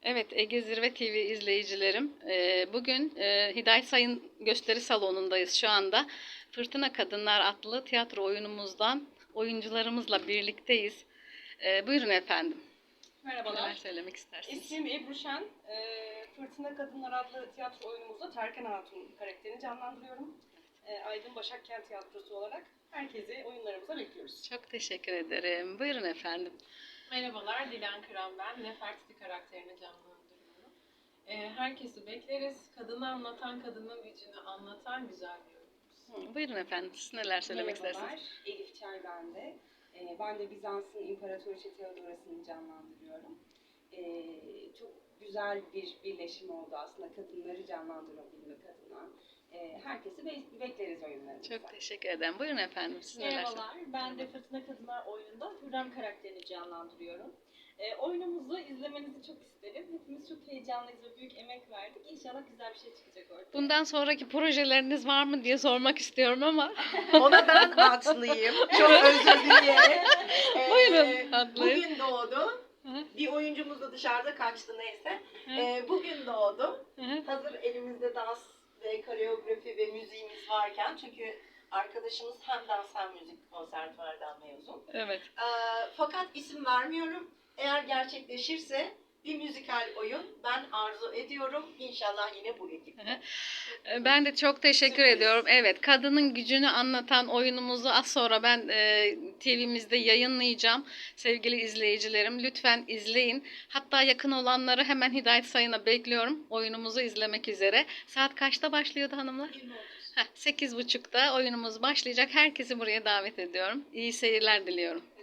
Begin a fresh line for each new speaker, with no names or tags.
Evet, Ege Zirve TV izleyicilerim. Bugün Hidayet Sayın gösteri salonundayız şu anda. Fırtına Kadınlar adlı tiyatro oyunumuzdan oyuncularımızla birlikteyiz. Buyurun efendim.
Merhabalar.
Neler söylemek istersiniz?
İsmim Ebru Şen. Fırtına Kadınlar adlı tiyatro oyunumuzda Terken Hatun karakterini canlandırıyorum. Aydın Başakkent Tiyatrosu olarak herkesi oyunlarımıza bekliyoruz.
Çok teşekkür ederim. Buyurun efendim.
Merhabalar, Dilan Kıran ben. Nefertiti karakterini canlandırıyorum. Herkesi bekleriz. Kadını anlatan, kadının gücünü anlatan güzel bir oyunumuz.
Buyurun efendim. Siz neler söylemek istersiniz?
Merhabalar, Elif Çay ben de. Ben de Bizans'ın İmparatoriçe Theodoras'ını canlandırıyorum. Çok güzel bir birleşim oldu aslında kadınları canlandırabilmek adına. Herkesi bekleriz oyunlarımıza.
Çok teşekkür ederim. Buyurun efendim. Siz neler
Merhabalar, ben de Fırtına Kadınlar oyununda Hürrem karakterini canlandırıyorum. Oyunumuzu izlemenizi çok isterim. Hepimiz çok heyecanlıyız ve büyük emek verdik. İnşallah güzel bir şey çıkacak ortaya.
Bundan sonraki projeleriniz var mı diye sormak istiyorum ama.
Ona ben haklıyım. Çok özür dileyerek.
Buyurun, haklıyım.
Bugün doğdu.
Hı.
Bir oyuncumuz da dışarıda kaçtı neyse.
Hı.
Bugün doğdu.
Hı.
Hazır elimizde dans ve koreografi ve müziğimiz varken, çünkü arkadaşımız hem dans hem müzik konservatuvardan mezun.
Evet.
Fakat isim vermiyorum. Eğer gerçekleşirse bir müzikal oyun ben arzu ediyorum. İnşallah yine bu ekiple.
Ben de çok teşekkür
Sürpriz.
ediyorum. Evet, kadının gücünü anlatan oyunumuzu az sonra ben TV'mizde yayınlayacağım. Sevgili izleyicilerim, lütfen izleyin. Hatta yakın olanları hemen Hidayet Sayın'a bekliyorum oyunumuzu izlemek üzere. Saat kaçta başlıyordu hanımlar? 8.30'da oyunumuz başlayacak. Herkesi buraya davet ediyorum. İyi seyirler diliyorum.